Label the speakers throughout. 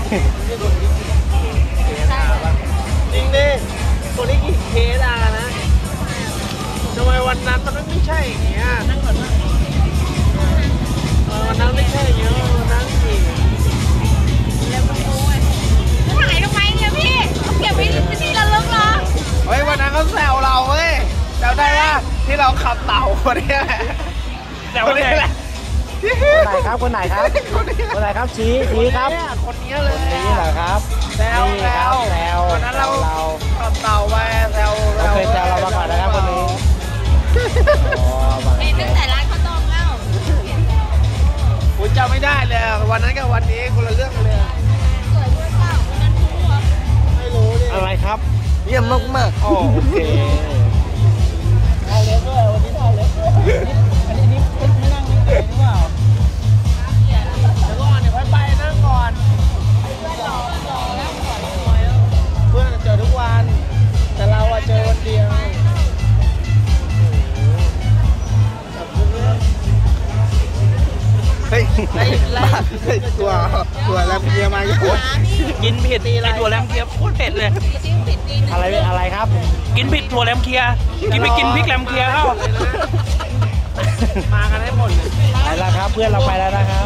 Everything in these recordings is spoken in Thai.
Speaker 1: จริงดิคนที่กี่เคสอะนะทำไมวันนั้นมันไม่ใช่อย่างเงี้ยวันนั้นไม่ใช่อย่างเงี้ยวันนั้นสิ
Speaker 2: แล้วก็โอ้ยจะถ่ายทำไมเนี่ยพี่เอาเก็บไว้เป็นที่ระลึกเหรอ
Speaker 1: เฮ้ยวันนั้นเขาแซวเราเว้ยแซวได้ว่าที่เราขับเต่าคนนี้แหละแซวได้แหละ
Speaker 3: คนไหนครับคนไหนครับชี้ครับ
Speaker 1: คนนี้เลย
Speaker 3: นี่เหรอครับ
Speaker 1: แซววันนั้นเราขับเต่าไปแซว
Speaker 3: เคยแซวเรามาก่อนนะครับคนนี้
Speaker 2: เห็นตั้งแต่ร้านข้าวต้มแล้ว
Speaker 1: ผมจำไม่ได้เลยวันนั้นกับวันนี้คนละเรื่องเลย
Speaker 2: สวยด้วยเปล่าวันนั้นรู้เหรอ
Speaker 1: ไม่รู้ดิ
Speaker 3: อะไรครับ
Speaker 1: เยี่ยมมาก
Speaker 3: โอเค
Speaker 1: ถ่ายเล็บด้วยวันนี้ถ่ายเล็บด้วยอันนี้ไม่นั่งนี่เองหรือเปล่าเดี๋ยวก่อนเดี๋ยวไปนั่งก่อนเพื่อนเจอทุกวันแต่เราอะเจอวันเดียวเฮ้ยตัวแรมเกียร์มา
Speaker 4: กินผิดไอถั่วแรมเคียโคตรเผ็ดเลย
Speaker 3: อะไรครับ
Speaker 4: กินผิดถั่วแรมเคียกินไปกินพริกแรมเคียเข้า
Speaker 1: มากันได้หมดเลย
Speaker 3: ไปแล้วครับเพื่อนเราไปแล้วนะครับ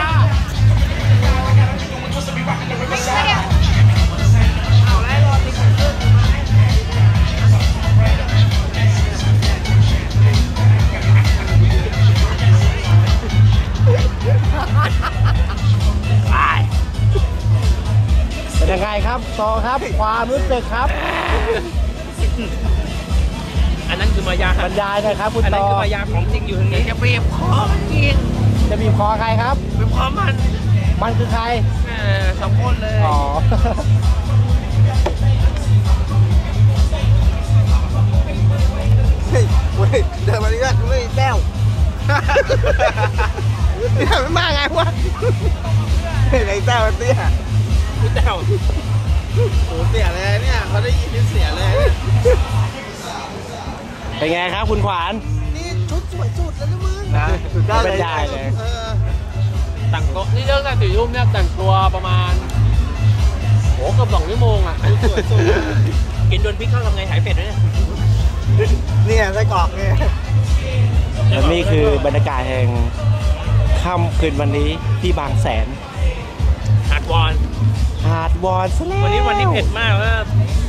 Speaker 3: เป็นยังไงครับต่อครับความรู้สึกครับ
Speaker 4: อันนั้นคือมายา
Speaker 3: บรรยายนะครับคุณต่ออัน
Speaker 4: นั้นคือมายาของจริงอยู่ตรงนี้
Speaker 1: จะบีบคอมันจริง
Speaker 3: จะบีบคอใครครับ
Speaker 1: บีบคอ
Speaker 3: มันคือใคร
Speaker 1: สองคนเลย
Speaker 3: อ๋อ
Speaker 1: เฮ้ยเดินมาดิว่าไม่แต้วนี่ไม่มาไงวะไอ้แต้วเตี้ย
Speaker 4: พี่แต้ว
Speaker 1: โหเสียเลยเนี่ยเขาได้ยินเสียเลย
Speaker 3: เป็นไงครับคุณขวาน
Speaker 1: นี่ชุดสวยสุดแล้วนะมึง
Speaker 3: นะสุดยอดเลย
Speaker 4: แต่งตัวนี่เรื่องการตื่นยุ่มเนี่ยแต่งตัวประมาณโหเกือบ2 ชั่วโมงอ่ะ
Speaker 1: สวยสุด
Speaker 4: กินโดนพริกเข้าทำไงหายเผ็ดด้วย
Speaker 1: เนี่ยไส้กรอกเนี่ย
Speaker 3: และนี่คือบรรยากาศแห่งค่ำคืนวันนี้ที่บางแสน
Speaker 4: หาดวอน
Speaker 3: ซะแล้ว
Speaker 4: วันนี้เผ็ดมากแล้ว